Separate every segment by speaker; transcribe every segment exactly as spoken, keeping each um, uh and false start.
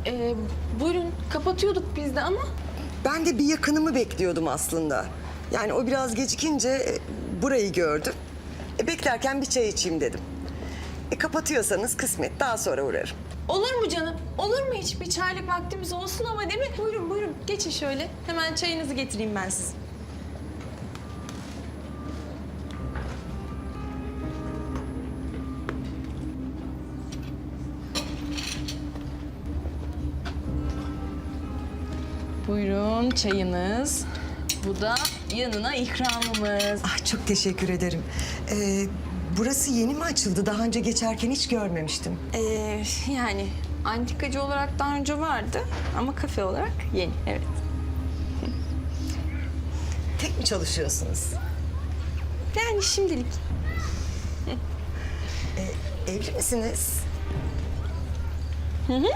Speaker 1: Ee, buyurun, kapatıyorduk biz de ama...
Speaker 2: Ben de bir yakınımı bekliyordum aslında. Yani o biraz gecikince e, burayı gördüm. E, beklerken bir çay içeyim dedim. E, kapatıyorsanız kısmet, daha sonra uğrarım.
Speaker 1: Olur mu canım? Olur mu hiç? Bir çaylık vaktimiz olsun ama değil mi? Buyurun, buyurun. Geçin şöyle. Hemen çayınızı getireyim ben size. Buyurun çayınız. Bu da yanına ikramımız.
Speaker 2: Ah, çok teşekkür ederim. Ee, burası yeni mi açıldı? Daha önce geçerken hiç görmemiştim.
Speaker 1: Ee, yani antikacı olarak daha önce vardı ama kafe olarak yeni, evet.
Speaker 2: Tek mi çalışıyorsunuz?
Speaker 1: Yani şimdilik.
Speaker 2: Ee, evli misiniz?
Speaker 1: Hı hı.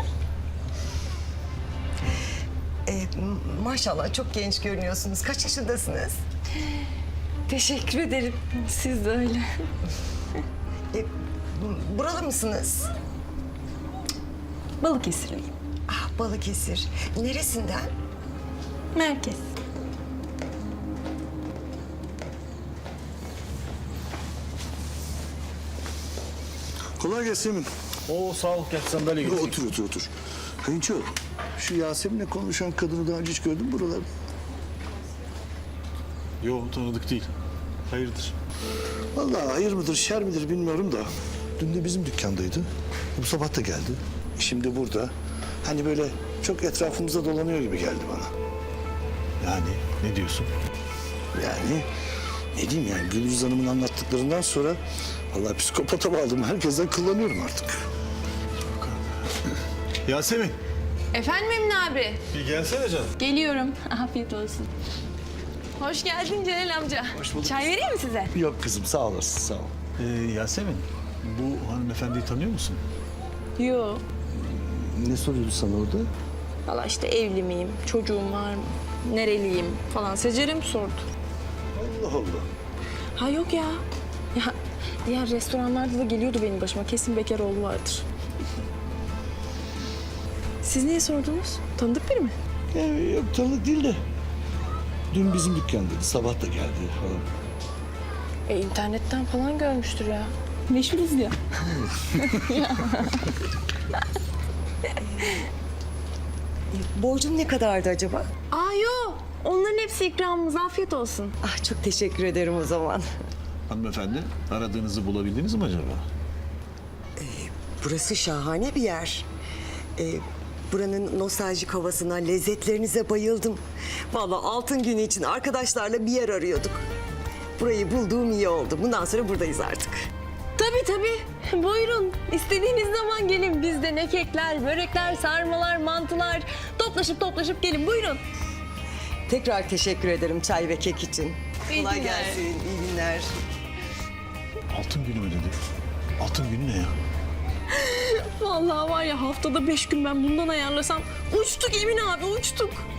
Speaker 2: Ee, maşallah çok genç görünüyorsunuz. Kaç yaşındasınız?
Speaker 1: Teşekkür ederim. Siz de öyle.
Speaker 2: Ee, buralı mısınız?
Speaker 1: Balıkesirliyim.
Speaker 2: Ah, Balıkesir. Neresinden?
Speaker 1: Merkez.
Speaker 3: Kolay gelsin Emin.
Speaker 4: Oo sağ ol, gel sandalye getir.
Speaker 3: Otur otur otur. Kayınço, şu Yasemin'le konuşan kadını daha önce hiç gördün mü buralarda?
Speaker 4: Yo, tanıdık değil. Hayırdır?
Speaker 3: Vallahi hayır mıdır şer midir bilmiyorum da. Dün de bizim dükkandaydı. Bu sabah da geldi. Şimdi burada. Hani böyle çok etrafımıza dolanıyor gibi geldi bana.
Speaker 4: Yani ne diyorsun?
Speaker 3: Yani ne diyeyim yani Gülüz Hanım'ın anlattıklarından sonra vallahi psikopata bağladım. Herkesten kullanıyorum artık.
Speaker 4: Yasemin,
Speaker 1: Efendim Emin abi?
Speaker 4: bir gelsene canım.
Speaker 1: Geliyorum. Afiyet olsun. Hoş geldin Celal amca.
Speaker 3: Hoş bulduk.
Speaker 1: Çay vereyim mi size?
Speaker 3: Yok kızım sağ olasın sağ ol.
Speaker 4: Ee, Yasemin, bu hanımefendiyi tanıyor musun?
Speaker 1: Yo.
Speaker 3: Ne soruyordu sana orada?
Speaker 1: Valla işte evli miyim, çocuğum var mı, nereliyim falan. Secer'e mi sordu?
Speaker 3: Allah Allah.
Speaker 1: Ha yok ya. Ya diğer restoranlarda da geliyordu benim başıma. Kesin bekar oğlu vardır. Siz niye sordunuz? Tanıdık biri mi?
Speaker 3: Yani yok tanıdık değil de. Dün bizim dükkandaydı. Sabah da geldi falan.
Speaker 1: E internetten falan görmüştür ya. Meşhuruz ya.
Speaker 2: Borcum ne kadardı acaba?
Speaker 1: Aa yo. Onların hepsi ikramımız. Afiyet olsun.
Speaker 2: Ah, çok teşekkür ederim o zaman.
Speaker 4: Hanımefendi, aradığınızı bulabildiniz mi acaba?
Speaker 2: Burası şahane bir yer. Ee, buranın nostaljik havasına, lezzetlerinize bayıldım. Vallahi altın günü için arkadaşlarla bir yer arıyorduk. Burayı bulduğum iyi oldu. Bundan sonra buradayız artık.
Speaker 1: Tabii tabii. Buyurun. İstediğiniz zaman gelin. Bizde ne kekler, börekler, sarmalar, mantılar. Toplaşıp toplaşıp gelin. Buyurun.
Speaker 2: Tekrar teşekkür ederim çay ve kek için.
Speaker 1: İyi
Speaker 2: Kolay
Speaker 1: günler.
Speaker 2: gelsin, iyi günler.
Speaker 4: Altın günü mü dedi? Altın günü ne ya?
Speaker 1: Vallahi var ya haftada beş gün ben bundan ayarlasam uçtuk Emin abi uçtuk.